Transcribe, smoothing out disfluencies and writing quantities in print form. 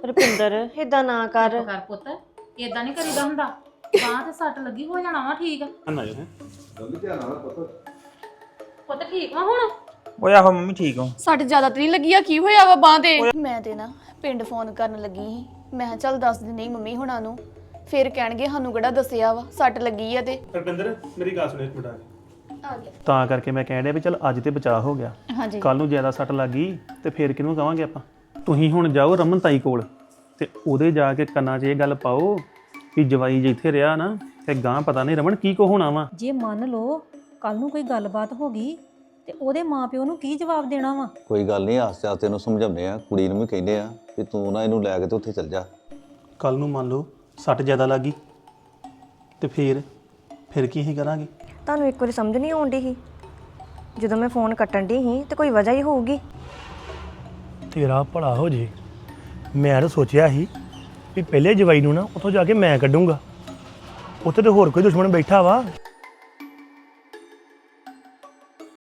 ਰੁਪਿੰਦਰ ਇਦਾਂ ਨਾ ਕਰ। ਕਰ ਪੁੱਤ ਇਦਾਂ ਨਹੀਂ ਕਰੀਦਾ ਹੁੰਦਾ। ਬਾਂਹ ਤੇ ਸੱਟ ਲੱਗੀ ਹੋ ਜਾਣਾ ਵਾ ਠੀਕ। ਨਾ ਜੋ ਹੈ ਪੁੱਤ ਠੀਕ ਵਾ ਹੁਣ? ਓਏ ਆਹੋ ਮੰਮੀ ਠੀਕ ਹੋ। ਸੱਟ ਜ਼ਿਆਦਾ ਤਾਂ ਨਹੀਂ ਲੱਗੀ ਆ? ਕੀ ਹੋਇਆ ਵਾ ਬਾਂਹ ਤੇ? ਮੈਂ ਤੇ ਨਾ ਪਿੰਡ ਫੋਨ ਕਰਨ ਲੱਗੀ ਸੀ। ਮੈਂ ਕਿਹਾ ਚੱਲ ਦੱਸ ਦਿੰਦੀ ਮੰਮੀ ਹੁਣਾਂ ਨੂੰ, ਫਿਰ ਕਹਿਣਗੇ ਸਾਨੂੰ ਕਿਹੜਾ ਦੱਸਿਆ ਵਾ ਸੱਟ ਲੱਗੀ ਆ ਤੇ। ਰੁਪਿੰਦਰ ਮੇਰੀ ਗੱਲ ਸੁਣ ਇੱਕ ਮਿੰਟ ਆ ਗਿਆ। ਤਾਂ ਕਰਕੇ ਮੈਂ ਕਹਿਣ ਡਿਆ ਵੀ ਚੱਲ ਅੱਜ ਤੇ ਬਚਾਅ ਹੋ ਗਿਆ, ਹਾਂਜੀ ਕੱਲ ਨੂੰ ਜ਼ਿਆਦਾ ਸੱਟ ਲੱਗ ਗਈ ਤੇ ਫੇਰ ਕਿਹਨੂੰ ਕਵਾਂਗੇ ਆਪਾਂ। ਤੁਸੀਂ ਹੁਣ ਜਾਓ ਰਮਨ ਤਾਈ ਕੋਲ ਤੇ ਉਹਦੇ ਜਾ ਕੇ ਕੰਨਾਂ 'ਚ ਇਹ ਗੱਲ ਪਾਓ ਕਿ ਜਵਾਈ ਜਿੱਥੇ ਰਿਹਾ ਨਾ ਤੇ ਗਾਂ ਪਤਾ ਨਹੀਂ ਰਮਨ ਕੀ ਕੋ ਹੋਣਾ ਵਾ। ਜੇ ਮੰਨ ਲਓ ਕੱਲ ਨੂੰ ਕੋਈ ਗੱਲਬਾਤ ਹੋ ਗਈ ਤੇ ਉਹਦੇ ਮਾਪਿਓ ਨੂੰ ਕੀ ਜਵਾਬ ਦੇਣਾ ਵਾ? ਕੋਈ ਗੱਲ ਨਹੀਂ, ਆਸਤੇ ਆਸਤੇ ਇਹਨੂੰ ਸਮਝਾਉਂਦੇ ਆ, ਕੁੜੀ ਨੂੰ ਵੀ ਕਹਿੰਦੇ ਆ ਕਿ ਤੂੰ ਨਾ ਇਹਨੂੰ ਲੈ ਕੇ ਤੇ ਉੱਥੇ ਚੱਲ ਜਾ। ਕੱਲ ਨੂੰ ਮੰਨ ਲਓ ਸੱਟ ਜ਼ਿਆਦਾ ਲੱਗ ਗਈ ਤੇ ਫਿਰ ਕੀ ਹੀ ਕਰਾਂਗੇ। ਤੁਹਾਨੂੰ ਇੱਕ ਵਾਰੀ ਸਮਝ ਨਹੀਂ ਆਉਂਦੀ ਸੀ ਜਦੋਂ ਮੈਂ ਫੋਨ ਕੱਟਣ ਦੀ ਸੀ ਤੇ ਕੋਈ ਵਜ੍ਹਾ ਹੀ ਹੋਊਗੀ। ਤੇਰਾ ਭਲਾ ਹੋ ਜੇ। ਮੈਂ ਤਾਂ ਸੋਚਿਆ ਸੀ ਵੀ ਪਹਿਲੇ ਜਵਾਈ ਨੂੰ ਨਾ ਉੱਥੋਂ ਜਾ ਕੇ ਮੈਂ ਕੱਢੂੰਗਾ, ਉੱਥੇ ਤੇ ਹੋਰ ਕੋਈ ਦੁਸ਼ਮਣ ਬੈਠਾ ਵਾ।